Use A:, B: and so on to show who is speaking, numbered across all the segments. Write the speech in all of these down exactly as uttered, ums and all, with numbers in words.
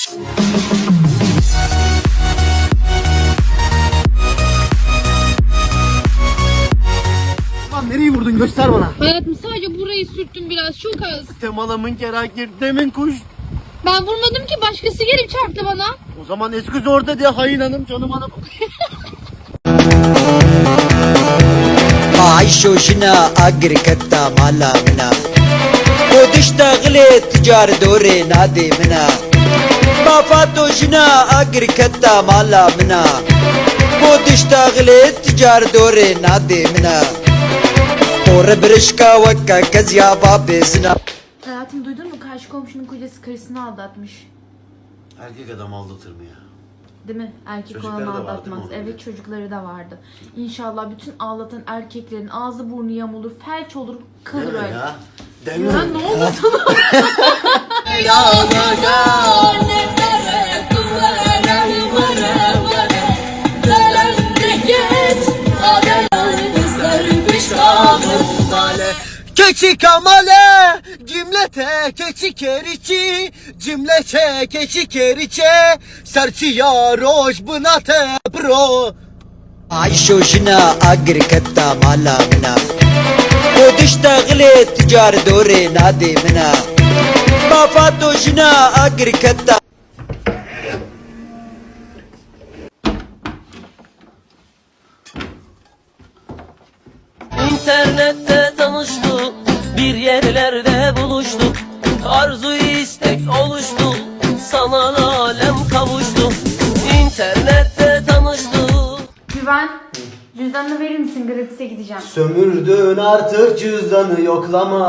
A: Lan nereyi vurdun, göster bana.
B: Hayatım sadece burayı sürttüm biraz, çok az.
A: Temalamın kerakir demin kuş.
B: Ben vurmadım ki, başkası gelip çarptı bana.
A: O zaman esküz orada diye hain hanım, canım hanım.
C: عيشوشنا أجر كتا مالا منا ودشتغلي تجار دوري نادي منا بافاتوشنا أجر كتا مالا منا ودشتغلي تجار دوري نادي منا وربرشكا وكا كزيا بابي زنا.
B: Hayatım, duydun mu? Karşı komşunun kocası karısını aldatmış.
A: Erkek adam aldatır mı ya?
B: Değil mi? Erkek
A: Çocukları
B: olan
A: da vardı
B: aldatmaz.
A: değil mi?
B: Evet, çocukları da vardı. İnşallah bütün ağlatan erkeklerin ağzı burnu yamulur, felç olur, kalır
A: Deme
B: öyle.
A: ya. Deme.
B: Ya ne oldu sana?
A: Keçi kamale, cimlete keçi kerici, cimlete keçi keriçe, serçi yaroş bınate bro.
C: عيشوشنا أجر كتا مالا منا ودشتغلي تجار دوري نادي منا بافاتوشنا أجر كتا.
D: İnternette tanıştık, bir yerlerde buluştuk. Arzu istek oluştu, sanal alem kavuştu. İnternette tanıştık.
B: Güven, cüzdanını verir misin? Gratis'e gideceğim.
A: Sömürdün artık cüzdanı yoklama.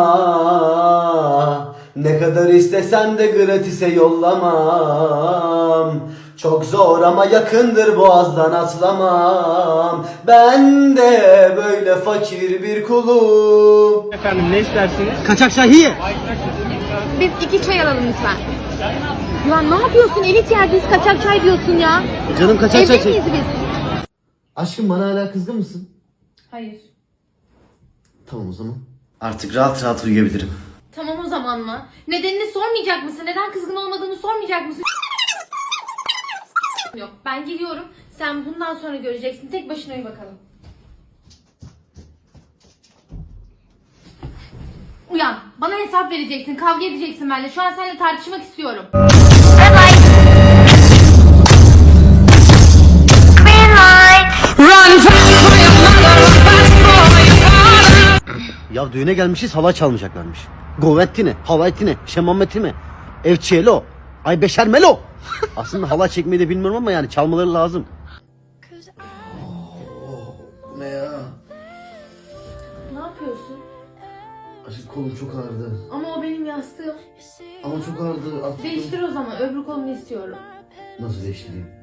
A: Ne kadar istesen de gratis'e yollamam. Çok zor ama yakındır, boğazdan atlamam. Ben de böyle fakir bir kulum.
E: Efendim ne istersiniz?
A: Kaçak şahiye.
B: Biz iki çay alalım lütfen. Ya ne yapıyorsun? Elit yerdeyiz, kaçak çay diyorsun ya.
A: Canım kaçak çay.
B: Evli miyiz biz?
A: Aşkım, bana hala kızgın mısın?
B: Hayır.
A: Tamam o zaman. Artık rahat rahat uyuyabilirim.
B: Tamam o zaman mı? Nedenini sormayacak mısın? Neden kızgın olmadığını sormayacak mısın? Yok, ben geliyorum. Sen bundan sonra göreceksin. Tek başına uyu bakalım. Uyan. Bana hesap vereceksin. Kavga edeceksin benimle. Şu an seninle tartışmak istiyorum.
A: Ya düğüne gelmişiz, hava çalmayacaklarmış. Govetti ne? Havayti ne? Şemameti mi? Evçiyelo? Ay beşer melo. Aslında halay çekmeyi de bilmiyorum ama yani çalmaları lazım. Ne ya?
B: Ne yapıyorsun?
A: Aşkım, kolum çok ağrıdı.
B: Ama o benim yastığım.
A: Ama çok ağrıdı. Artık
B: Değiştir o zaman. Öbür kolunu istiyorum.
A: nasıl değiştireyim?